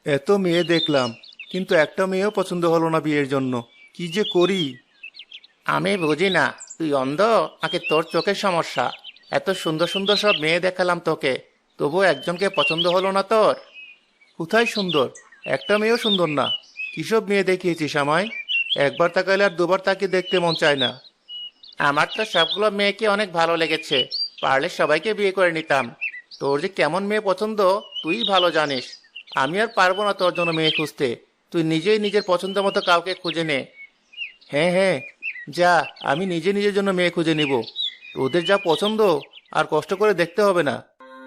এত মেয়ে দেখলাম, কিন্তু একটা মেয়েও পছন্দ হলো না বিয়ের জন্য। কি যে করি! আমি বুঝি না, তুই অন্ধ নাকি তোর চোখের সমস্যা? এত সুন্দর সুন্দর সব মেয়ে দেখালাম তোকে, তবু একজনকে পছন্দ হলো না তোর? কোথায় সুন্দর? একটা মেয়েও সুন্দর না। কিসব মেয়ে দেখিয়েছিস আমায়? একবার তাকাইলে আর দুবার তাকে দেখতে মন চায় না। আমার তো সবগুলো মেয়েকে অনেক ভালো লেগেছে, পারলে সবাইকে বিয়ে করে নিতাম। তোর যে কেমন মেয়ে পছন্দ তুই ভালো জানিস। আমি আর পারবো না তোর জন্য মেয়ে খুঁজতে। তুই নিজেই নিজের পছন্দ মতো কাউকে খুঁজে নে। হ্যাঁ হ্যাঁ, যা, আমি নিজে নিজের জন্য মেয়ে খুঁজে নিব। ওদের যা পছন্দ, আর কষ্ট করে দেখতে হবে না।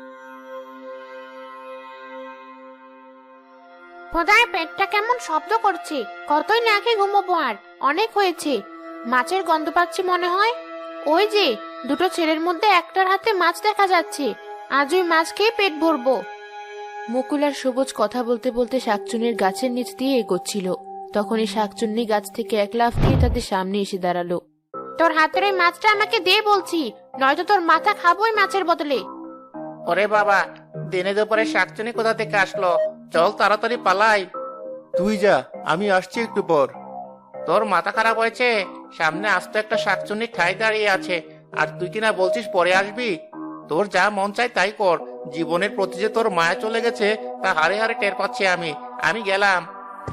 খোদার পেটটা কেমন শব্দ করছে। কতই না খেয়ে ঘুমোবো, আর অনেক হয়েছে। মাছের গন্ধ পাচ্ছি মনে হয়। ওই যে দুটো ছেলের মধ্যে একটার হাতে মাছ দেখা যাচ্ছে। আজ ওই মাছ খেয়ে পেট ভরবো। মুকুল আর সবুজ কথা বলতে বলতে শাকচুন্নির গাছের নিচ দিয়ে এগোচ্ছিল। তখনই শাকচুন্নি গাছ থেকে এক লাফ দিয়ে তাদের সামনে এসে দাঁড়ালো। তোর হাতের ওই মাছটা আমাকে দে বলছি, নয়তো তোর মাথা খাবো ওই মাছের বদলে। ওরে বাবা, দিনে দুপুরে শাকচুনি কোথা থেকে আসলো? চল তাড়াতাড়ি পালাই। তুই যা, আমি আসছি একটু পর। তোর মাথা খারাপ হয়েছে? সামনে আস্ত একটা শাকচুনি ঠাই দাঁড়িয়ে আছে, আর তুই কিনা বলছিস পরে আসবি? তোর যা মন চায় তাই কর। জীবনের প্রতি যে তোর মায়া চলে গেছে তা হারে হারে টের পাচ্ছি আমি। আমি গেলাম।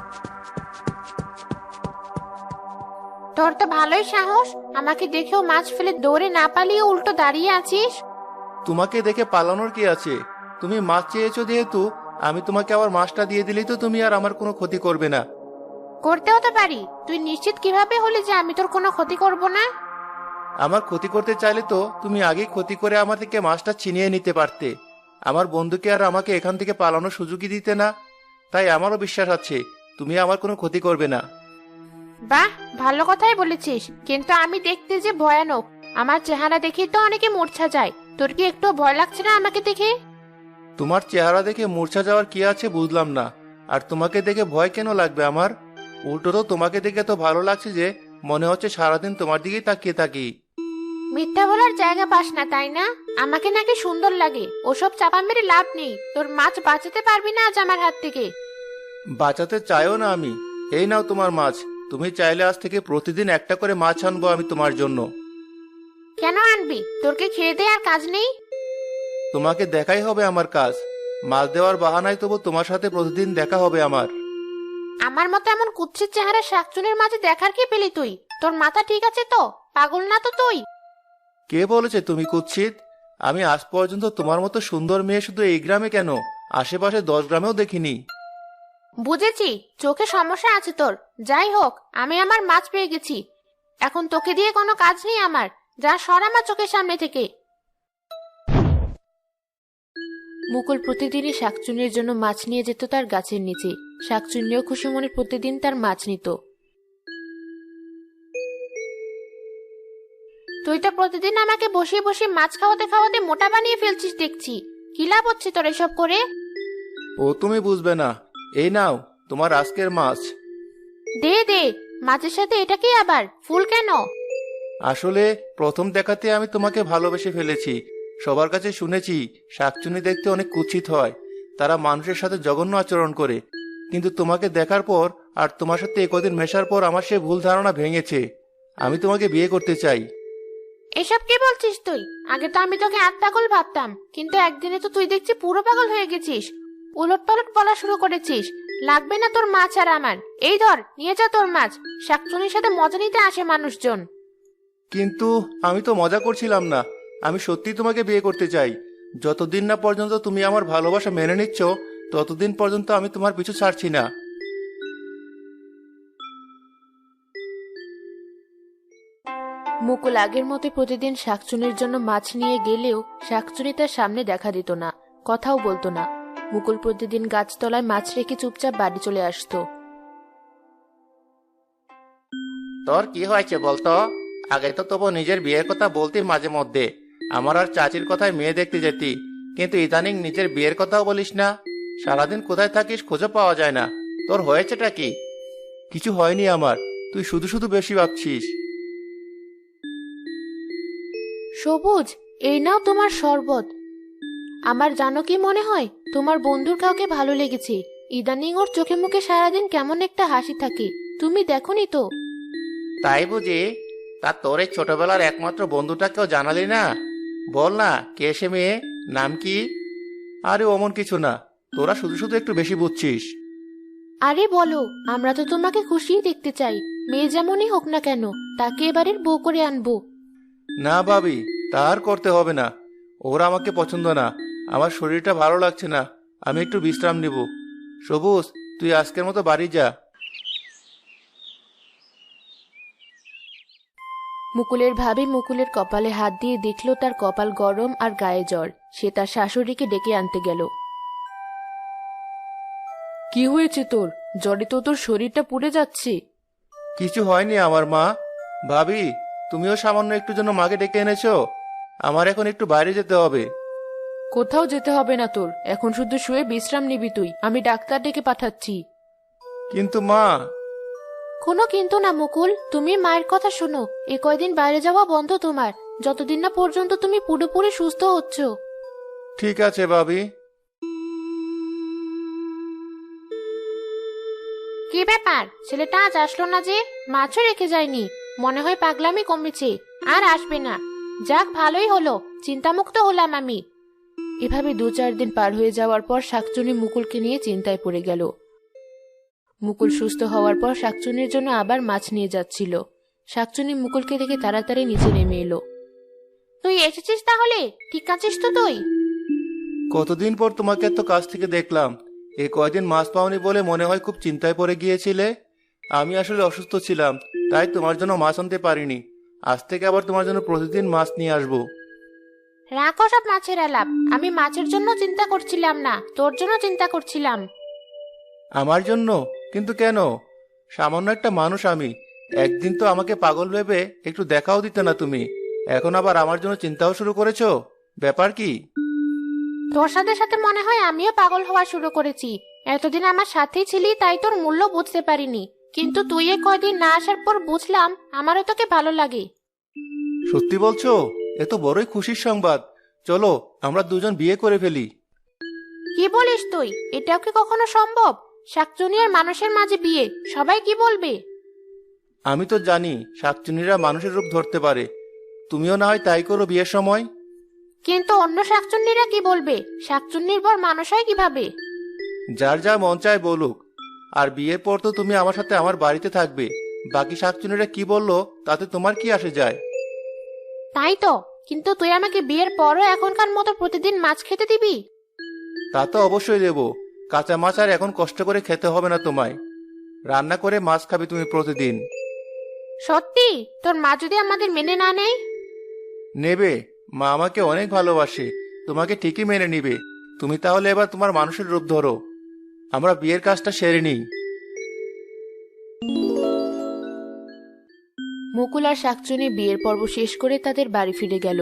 তোর তো ভালোই সাহস, আমাকে দেখেও মাছ ফেলে দৌড়ে না পালিয়ে উল্টো দাঁড়িয়ে আছিস। তোমাকে দেখে পালানোর কি আছে? তুমি মাছ চেয়েছো যেহেতু, আমি তোমাকে আবার মাছটা দিয়ে দিলেই তো তুমি আর আমার কোনো ক্ষতি করবে না। করতেও তো পারি। তুই নিশ্চিত কিভাবে হলি যে আমি তোর কোনো ক্ষতি করব না? আমার ক্ষতি করতে চাইলে তো তুমি আগেই ক্ষতি করে আমার থেকে মাছটা ছিনিয়ে নিতে পারতে। আমার বন্ধুকে আর আমাকে এখান থেকে পালানোর সুযোগই দিতে না। তাই আমারও বিশ্বাস আছে তুমি আমার কোনো ক্ষতি করবে না। বাহ, ভালো কথাই বলেছিস, কিন্তু আমি দেখতে যে ভয়ানক। আমার চেহারা দেখে তো অনেকে মূর্ছা যায়। তোর কি একটু ভয় লাগছে না আমাকে দেখে? তোমার চেহারা দেখে মূর্ছা যাওয়ার কি আছে বুঝলাম না। আর তোমাকে দেখে ভয় কেন লাগবে আমার? উল্টো তো তোমাকে দেখে তো ভালো লাগছে যে মনে হচ্ছে সারাদিন তোমার দিকেই তাকিয়ে থাকি। মিথ্যা বলার জায়গা পাস না তাই না? আমাকে নাকি সুন্দর লাগে, ওসব চাপা মেরে লাভ নেই। তোর মাছ বাঁচাতে পারবি না আজ আমার হাত থেকে। বাঁচাতে চাইও না আমি। এই নাও তোমার মাছ। তুমি চাইলে আজ থেকে প্রতিদিন একটা করে মাছ আনবো আমি তোমার জন্য। কেন আনবি? তোর কি খেয়ে দে আর কাজ নেই? তোমাকে দেখাই হবে আমার কাজ। মাছ দেওয়ার বাহানায় তবু তোমার সাথে প্রতিদিন দেখা হবে আমার। আমার মতো এমন কুৎসিত চেহারা শাকচুনির মাঝে দেখার কি পেলি তুই? তোর মাথা ঠিক আছে তো? পাগল না তো তুই? কে বলেছে তুমি কুৎসিত? আমি আজ পর্যন্ত তোমার মতো সুন্দর মেয়ে শুধু এই গ্রামে কেন, আশেপাশে 10 গ্রামেও দেখিনি। বুঝেছি, চোখে সমস্যা আছে তোর। যাই হোক, আমি আমার মাছ পেয়ে গেছি। এখন তোকে দিয়ে কোনো কাজ নেই আমার। যা, সর আমার চোখের সামনে থেকে। মুকুল প্রতিদিনই শাকচুন্নির জন্য মাছ নিয়ে যেত তার গাছের নিচে। শাকচুন্নিও খুশি মনে প্রতিদিন তার মাছ নিত। তুই তো প্রতিদিন আমাকে বসিয়ে বসিয়ে মাছ খাওয়াতে খাওয়াতে মোটা বানিয়ে ফেলছিস দেখছি। কি লাভ হচ্ছে তোর এসব করে? ও তুমি বুঝবে না। এই নাও তোমার আজকের মাছ। দে দে, মাছের সাথে এটা কি আবার ফুল কেন? আসলে প্রথম দেখাতে আমি তোমাকে ভালোবেসে ফেলেছি। সবার কাছে শুনেছি শাকচুনি দেখতে অনেক কুৎসিত হয়, তারা মানুষের সাথে জঘন্য আচরণ করে। কিন্তু তোমাকে দেখার পর আর তোমার সাথে একদিন মেশার পর আমার সে ভুল ধারণা ভেঙেছে। আমি তোমাকে বিয়ে করতে চাই। এসব কি বলছিস তুই? আগে তো আমি তোকে আধ পাগল ভাবতাম, কিন্তু একদিনে তো তুই দেখছি পুরো পাগল হয়ে গেছিস। উলট পালট বলা শুরু করেছিস। লাগবে না তোর মাছ আর আমার। এই ধর, নিয়ে যা তোর মাছ। শাকচুনির সাথে মজা নিতে আসে মানুষজন। কিন্তু আমি তো মজা করছিলাম না। আমি সত্যি তোমাকে বিয়ে করতে চাই। যতদিন না পর্যন্ত তুমি আমার ভালোবাসা মেনে নিচ্ছ, ততদিন পর্যন্ত আমি তোমার পিছু ছাড়ছি না। মুকুল আগের মতো প্রতিদিন শাকচুনির জন্য মাছ নিয়ে গেলেও শাকচুনি তার সামনে দেখা দিত না, কথাও বলতো না। মুকুল প্রতিদিন গাছতলায় মাছ রেখে চুপচাপ বাড়ি চলে আসতো। তোর কি হয়েছে বলতো? আগে তো তবু নিজের বিয়ের কথা বলতি মাঝে মধ্যে, আমার আর চাচির কথায় মেয়ে দেখতে যেতি। কিন্তু ইদানিং নিজের বিয়ের কথাও বলিস না। সারাদিন কোথায় থাকিস খুঁজে পাওয়া যায় না। তোর হয়েছেটা কি? কিছু হয়নি আমার। তুই শুধু শুধু বেশি ভাবছিস। সবুজ, এই নাও তোমার শরবত। আমার জানো কি মনে হয়, তোমার বন্ধুর কাউকে ভালো লেগেছে। ইদানিং ওর চোখে মুখে সারাদিন কেমন একটা হাসি থাকে, তুমি দেখোনি তো? তাই বুঝি? তা তোর এই ছোটবেলার একমাত্র বন্ধুটাকেও জানালি না? বল না, কে সে মেয়ে, নাম কি? আরে অমন কিছু না, তোরা শুধু শুধু একটু বেশি বুঝছিস। আরে বলো, আমরা তো তোমাকে খুশিই দেখতে চাই। মেয়ে যেমনই হোক না কেন, তাকে এবারের বউ করে আনবো। না ভাবি, তা আর করতে হবে না। ওরা আমাকে পছন্দ না, আমার শরীরটা ভালো লাগছে না, আমি একটু বিশ্রাম নিব। সবুজ, তুই আজকের মতো বাড়ি যা। মুকুলের ভাবি মুকুলের কপালে হাত দিয়ে দেখলো তার কপাল গরম আর গায়ে জ্বর। সে তার শাশুড়িকে ডেকে আনতে গেল। কি হয়েছে তোর? জ্বরে তো তোর শরীরটা পুড়ে যাচ্ছে। কিছু হয়নি আমার মা। ভাবি, তুমিও সামান্য একটু জন্য মাকে ডেকে এনেছো? আমার এখন একটু বাইরে যেতে হবে। কোথাও যেতে হবে না তোর, এখন শুধু শুয়ে বিশ্রাম নিবি তুই। আমি ডাক্তার ডেকে পাঠাচ্ছি। কিন্তু মা। কোনো কিন্তু না মুকুল, তুমি মায়ের কথা শোনো। এ কয়দিন বাইরে যাওয়া বন্ধ তোমার, যতদিন না পর্যন্ত তুমি পুরোপুরি সুস্থ হচ্ছ। ঠিক আছে ভাবি। কি ব্যাপার, ছেলেটা আজ আসলো না যে? মাছও রেখে যায়নি, মনে হয় পাগলামি কমেছে, আর আসবে না। যাক, ভালোই হলো, চিন্তামুক্ত হলাম আমি। এভাবে 2-4 দিন পার হয়ে যাওয়ার পর শাকচুনি মুকুলকে নিয়ে চিন্তায় পড়ে গেল। মুকুল সুস্থ হওয়ার পর শাকচুনির জন্য আবার মাছ নিয়ে যাচ্ছিল। শাকচুনি মুকুলকে দেখে তাড়াতাড়ি নিচে নেমে এলো। তুই এসেছিস তাহলে? ঠিক আছিস তো তুই? কতদিন পর তোমাকে এত কাছ থেকে দেখলাম। এই কয়দিন মাছ পাওনি বলে মনে হয় খুব চিন্তায় পড়ে গিয়েছিলে। আমি আসলে অসুস্থ ছিলাম, তাই তোমার জন্য মাছ আনতে পারিনি। আজ থেকে আবার তোমার জন্য প্রতিদিন মাছ নিয়ে আসবো। রাখো সব মাছের আলাপ, আমি মাছের জন্য চিন্তা করছিলাম না, তোর জন্য চিন্তা করছিলাম। আমার জন্য? কিন্তু কেন? সামান্য একটা মানুষ আমি। একদিন তো আমাকে পাগল ভেবে একটু দেখাও দিতে না তুমি, এখন আবার আমার জন্য চিন্তাও শুরু করেছো? ব্যাপার কি? তোর সাথে সাথে মনে হয় আমিও পাগল হওয়া শুরু করেছি। এতদিন আমার সাথেই ছিলি, তাই তোর মূল্য বুঝতে পারিনি, কিন্তু তুই এ কয়দিন না আসার পর বুঝলাম আমারও তোকে ভালো লাগে। সত্যি বলছো? এ তো বড়ই খুশির সংবাদ। চলো আমরা দুজন বিয়ে করে ফেলি। কি বলিস তুই? এটাও কি কখনো সম্ভব? শাকচুনি আর মানুষের মাঝে বিয়ে, সবাই কি বলবে? আমি তো জানি শাকচুন্নিরা মানুষের রূপ ধরতে পারে, তুমিও না হয় তাই করো বিয়ের সময়। কিন্তু অন্য শাকচুন্নিরা কি বলবে? শাকচুন্নির পর মানুষ হয় কিভাবে? যার যা মন চায় বলুক। আর বিয়ের পর তো তুমি আমার সাথে আমার বাড়িতে থাকবে, বাকি শাকচুন্নিরা কি বললো তাতে তোমার কি আসে যায়? তাই তো, কিন্তু তুই আমাকে বিয়ের পরও এখনকার মতো প্রতিদিন মাছ খেতে দিবি? তা তো অবশ্যই দেবো। কাঁচা মাছ আর এখন কষ্ট করে খেতে হবে না তোমায়, রান্না করে মাছ খাবে তুমি প্রতিদিন। সত্যি? তোর মা যদি আমাদের মেনে না নেয়? নেবে, মা আমাকে অনেক ভালোবাসে, তোমাকে ঠিকই মেনে নিবে। তুমি তাহলে এবার তোমার মানুষের রূপ ধরো, আমরা বিয়ের কাজটা সেরে নিই। মুকুল আর শাকচুনি বিয়ের পর্ব শেষ করে তাদের বাড়ি ফিরে গেল।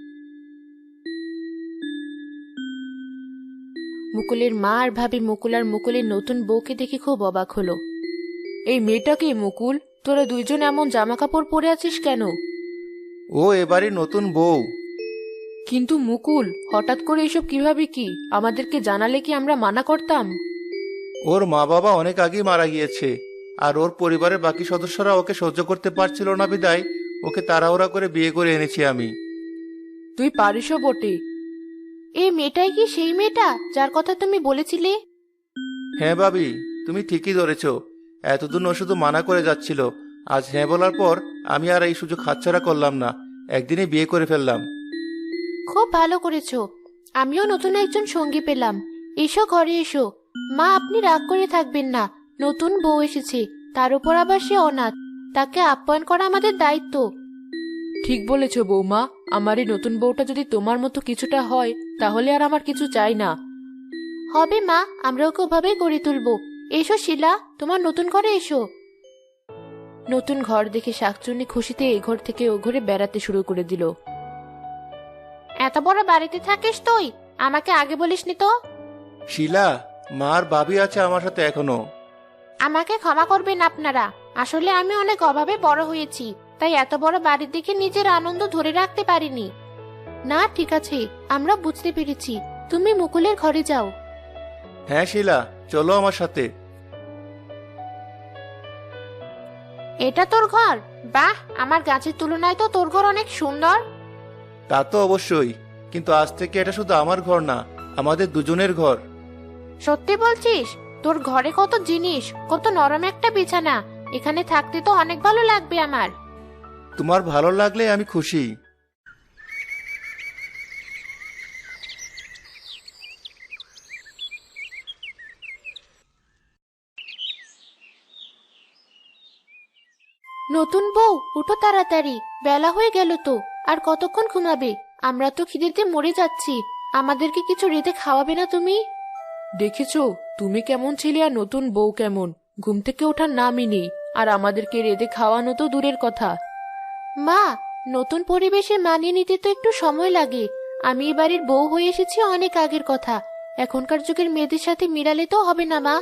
মুকুলের মা আর ভাবি মুকুল আর মুকুলের নতুন বউকে দেখে খুব অবাক হলো। এই মেয়েটাকে মুকুল, তোরা দুইজন এমন জামা কাপড় পরে আছিস কেন? ও এবারে নতুন বউ। কিন্তু মুকুল, হঠাৎ করে এসব কিভাবে? কি আমাদেরকে জানালে কি আমরা মানা করতাম? ওর মা বাবা অনেক আগেই মারা গিয়েছে, আর ওর পরিবারের বাকি সদস্যরা ওকে সহ্য করতে পারছিল না বিদায় ওকে তাড়াহুড়া করে বিয়ে করে এনেছি আমি। তুই পারিসও বটে। এই মেয়েটাই কি সেই মেয়েটা যার কথা তুমি বলেছিলে? হ্যাঁ ভাবি, তুমি ঠিকই ধরেছ। এতদিন ও শুধু মানা করে যাচ্ছিল, আজ হ্যাঁ বলার পর আমি আর এই সুযোগ হাতছাড়া করলাম না, একদিনে বিয়ে করে ফেললাম। খুব ভালো করেছো, আমিও নতুন একজন সঙ্গী পেলাম। এসো ঘরে এসো। মা, আপনি রাগ করে থাকবেন না, নতুন বউ এসেছে, তার উপর আবার সে অনাথ, তাকে আপ্যায়ন করা আমাদের দায়িত্ব। ঠিক বলেছ বৌমা, আমার এই নতুন বউটা যদি তোমার মতো কিছুটা হয় তাহলে আর আমার কিছু চাই না। হবে মা, আমরা ওকে ওভাবেই গড়ে তুলবো। এসো শিলা, তোমার নতুন ঘরে এসো। নতুন ঘর দেখে শাকচুন্নি খুশিতে এ ঘর থেকে ও ঘরে বেড়াতে শুরু করে দিল। এত বড় বাড়িতে থাকিস তুই? আমাকে আগে বলিসনি তো। শিলা, মা আর ভাবি আছে আমার সাথে এখনো। আমাকে ক্ষমা করবেন আপনারা, আসলে আমি অনেক অভাবে বড় হয়েছি, তাই এত বড় বাড়ির দিকে নিজের আনন্দ ধরে রাখতে পারিনি। না ঠিক আছে, আমরা বুঝতে পেরেছি, তুমি মুকুলের ঘরে যাও। হ্যাঁ শিলা, চলো আমার সাথে। এটা তোর ঘর? বাহ, আমার গাছের তুলনায় তো তোর ঘর অনেক সুন্দর। তা তো অবশ্যই, কিন্তু আজ থেকে এটা শুধু আমার ঘর না, আমাদের দুজনের ঘর। সত্যি বলছিস? তোর ঘরে কত জিনিস, কত নরম একটা বিছানা। এখানে থাকতে তো অনেক ভালো লাগবে আমার। তোমার ভালো লাগলে আমি খুশি। নতুন বউ, উঠো তাড়াতাড়ি, বেলা হয়ে গেল তো। আর কতক্ষণ ঘুমাবে? আমরা তো খিদেতে মরে যাচ্ছি। আমাদেরকে কিছু রেঁধে খাওয়াবে না তুমি? দেখেছো তুমি কেমন ছিলে আর নতুন বউ কেমন, ঘুম থেকে ওঠার নামই নেই। আর আমাদেরকে রেঁধে খাওয়ানো তো দূরের কথা। মা, নতুন পরিবেশে মানিয়ে নিতে তো একটু সময় লাগে। আমি এই বাড়ির বউ হয়ে এসেছি অনেক আগের কথা। এখনকার যুগের মেয়েদের সাথে মিলালে তো হবে না মা।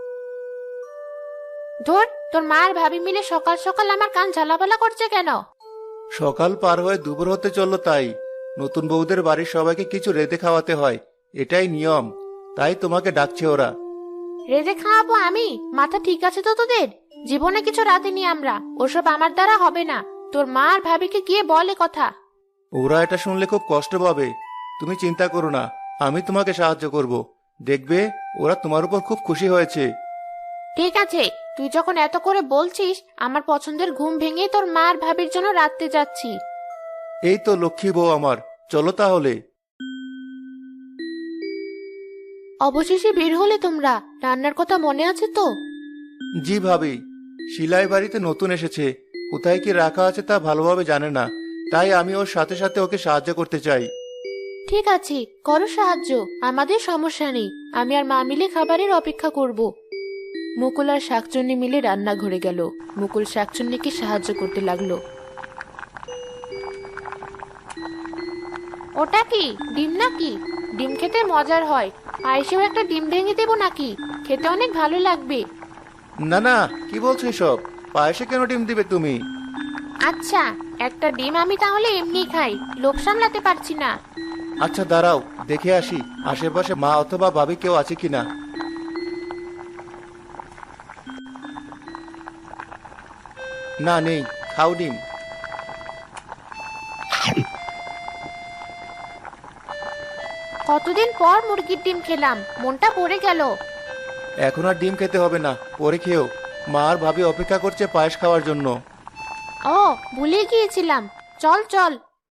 ধর, তোর মা আর ভাবি মিলে সকাল সকাল আমার কান ঝালাপালা করছে কেন? সকাল পার হয়ে দুপুর হতে চললো, তাই নতুন বউদের বাড়ির সবাইকে কিছু রেঁধে খাওয়াতে হয়, এটাই নিয়ম। তাই তোমাকে ডাকছে ওরা। রেঁধে খাওয়াবো আমি? মাথা ঠিক আছে তো তোদের? জীবনে কিছু রাঁধেনি আমরা, ওসব আমার দ্বারা হবে না। তোর মা আর ভাবিকে গিয়ে বলে কথা। ওরা এটা শুনলে খুব কষ্ট পাবে। তুমি চিন্তা করো না, আমি তোমাকে সাহায্য করব। দেখবে ওরা তোমার উপর খুব খুশি হয়েছে। ঠিক আছে, তুই যখন এত করে বলছিস, আমার পছন্দের ঘুম ভেঙে তোর মা আর ভাবির জন্য রাঁধতে যাচ্ছি। এই তো লক্ষ্মী বউ আমার, চলো তাহলে। অবশেষে বের হলে তোমরা। রান্নার কথা মনে আছে তো? জি ভাবি, শিলাই বাড়িতে নতুন এসেছে, কোথায় কি রাখা আছে তা ভালোভাবে জানে না, তাই আমি ওর সাথে সাথে ওকে সাহায্য করতে চাই। ঠিক আছে, করো সাহায্য, আমাদের সমস্যা নেই। আমি আর মা মিলে খাবারের অপেক্ষা করব। মুকুল আর শাকচুন্নি মিলে রান্নাঘরে গেল। মুকুল শাকচুন্নিকে সাহায্য করতে লাগলো। ওটা কি ডিম নাকি? ডিম খেতে মজার হয়। পায়েসেও একটা ডিম ভেঙে দেবো নাকি? খেতে অনেক ভালো লাগবে। না না, কি বলছো এসব? পায়েসে কেন ডিম দিবে তুমি? আচ্ছা, একটা ডিম আমি তাহলে এমনি খাই, লোভ সামলাতে পারছি না। আচ্ছা দাঁড়াও, দেখে আসি আশেপাশে মা অথবা ভাবি কেউ আছে কিনা। না, নেই। খাও ডিম। কতদিন পর মুরগির ডিম খেলাম, মনটা ভরে গেল। এখন আর ডিম খেতে হবে না, পরে খেও। মা আর ভাবি অপেক্ষা করছে পায়েস খাওয়ার জন্য। ও, ভুলে গিয়েছিলাম। চল চল।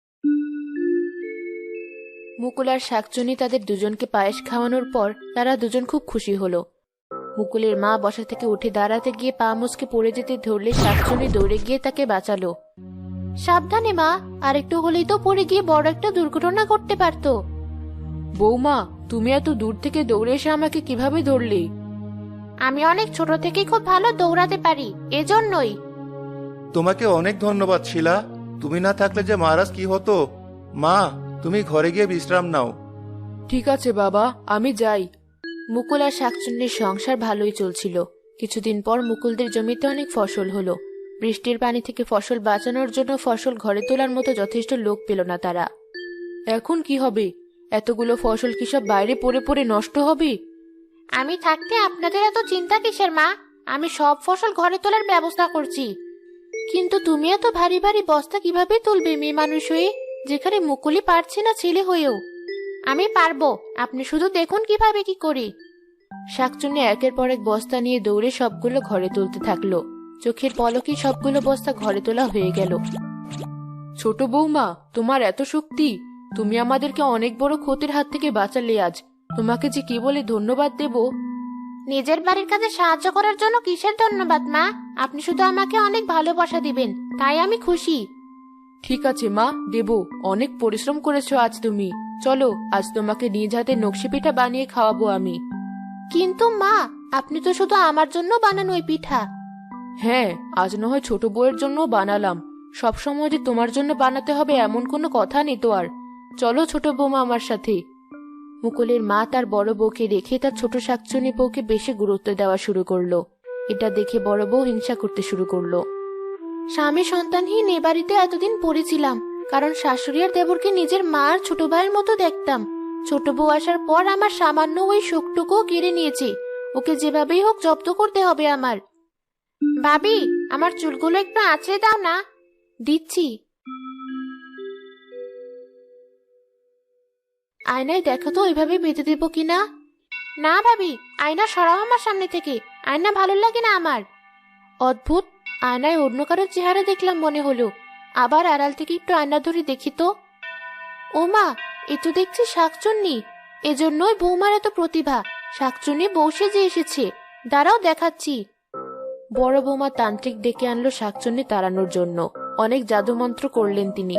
মুকুল আর শাকচুন্নি তাদের দুজনকে পায়েস খাওয়ানোর পর তারা দুজন খুব খুশি হলো। মুকুলের মা বসা থেকে উঠে দাঁড়াতে গিয়ে পা মুচকে পড়ে যেতে ধরলে শাকচুন্নি দৌড়ে গিয়ে তাকে বাঁচালো। সাবধানে মা, আর একটু হলেই তো পড়ে গিয়ে বড় একটা দুর্ঘটনা ঘটতে পারতো। বৌমা, তুমি এত দূর থেকে দৌড়ে এসে আমাকে কিভাবে ধরলে? আমি অনেক ছোট থেকেই খুব ভালো দৌড়াতে পারি, এজন্যই। তোমাকে অনেক ধন্যবাদ শিলা, তুমি না থাকলে যে মহারাজ কি হতো। মা, তুমি ঘরে গিয়ে বিশ্রাম নাও। ঠিক আছে বাবা, আমি যাই। মুকুল আর শাকচুন্নির সংসার ভালোই চলছিল। কিছুদিন পর মুকুলদের জমিতে অনেক ফসল হলো। বৃষ্টির পানি থেকে ফসল বাঁচানোর জন্য ফসল ঘরে তোলার মতো যথেষ্ট লোক পেল না তারা। এখন কি হবে? এতগুলো ফসল কি সব বাইরে পড়ে পড়ে নষ্ট হবে? আমি থাকতে আপনাদের এত চিন্তা কিসের মা? আমি সব ফসল ঘরে তোলার ব্যবস্থা করছি। কিন্তু তুমি এত ভারী ভারী বস্তা কিভাবে তুলবে মেয়ে মানুষ হয়ে, যেখানে মুকুলি পারছে না ছেলে হয়েও? আমি পারবো, আপনি শুধু দেখুন কিভাবে কি করি। শাকচুন্নি একের পর এক বস্তা নিয়ে দৌড়ে সবগুলো ঘরে তুলতে থাকলো। চোখের পলকে সবগুলো বস্তা ঘরে তোলা হয়ে গেল। ছোট বৌমা, তোমার এত শক্তি! তুমি আমাদেরকে অনেক বড় ক্ষতির হাত থেকে বাঁচালে আজ। তোমাকে যে কি বলে ধন্যবাদ দেব। নিজের বাড়ির কাজে সাহায্য করার জন্য কিসের ধন্যবাদ মা? আপনি শুধু আমাকে অনেক ভালোবাসা দিবেন, তাই আমি খুশি। ঠিক আছে মা, দেব। অনেক পরিশ্রম করেছো আজ তুমি। চলো, আজ তোমাকে নিজ হাতে নকশি পিঠা বানিয়ে খাওয়াবো আমি। কিন্তু মা, আপনি তো শুধু আমার জন্য বানানো ওই পিঠা। হ্যাঁ, আজ না হয় ছোট বউয়ের জন্য বানালাম। সবসময় যে তোমার জন্য বানাতে হবে এমন কোনো কথা নেই তো আর। চলো ছোট বৌমা আমার সাথে। মুকুলের মা তার বড় বউকে রেখে তার ছোট শাকচুন্নি বউকে বেশি গুরুত্ব দেওয়া শুরু করলো। এটা দেখে বড় বউ হিংসা করতে শুরু করলো। স্বামী সন্তানহীন এ বাড়িতে এতদিন পড়েছিলাম, কারণ শাশুড়ি আর দেবরকে নিজের মা আর ছোট ভাইয়ের মতো দেখতাম। ছোট বউ আসার পর আমার সামান্য ওই শোকটুকুও কেড়ে নিয়েছে। ওকে যেভাবেই হোক জব্দ করতে হবে আমার। ভাবি, আমার চুলগুলো একটু আঁচড়ে দাও না। দিচ্ছি। আয়নায় দেখো তো ওইভাবে বেঁধে দেবো কিনা। না ভাবি, আয়না সরাও আমার সামনে থেকে। আয়না ভালো লাগে না আমার। অদ্ভুত, আয়নায় অন্য কারো চেহারা দেখলাম মনে হলো। আবার আড়াল থেকে একটু আয়না ধরে দেখি তো। ওমা, এ তো দেখছি শাকচুন্নি। এজন্যই বৌমার এত প্রতিভা। শাকচুন্নি বউ সেজে এসেছে। দাঁড়াও দেখাচ্ছি। বড় বৌমা তান্ত্রিক ডেকে আনলো শাকচুন্নি তাড়ানোর জন্য। অনেক জাদুমন্ত্র করলেন তিনি।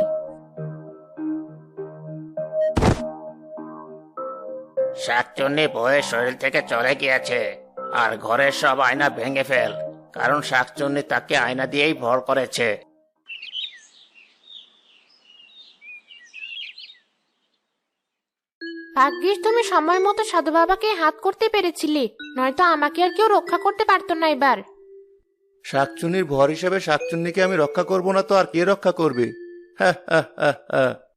শাকচুন্নি বউয়ের শরীর থেকে চলে গিয়েছে। আর ঘরের সব আয়না ভেঙে ফেল, কারণ শাকচুন্নি তাকে আয়না দিয়েই ভর করেছে। ভাগ্যিস তুমি সময় মতো সাধু বাবাকে হাত করতে পেরেছিলে, নয়তো আমাকে আর কেউ রক্ষা করতে পারতো না এবার। শাকচুন্নির ভর হিসেবে শাকচুন্নিকে আমি রক্ষা করব না তো আর কে রক্ষা করবে? হ্যাঁ হ্যাঁ হ্যাঁ হ্যাঁ।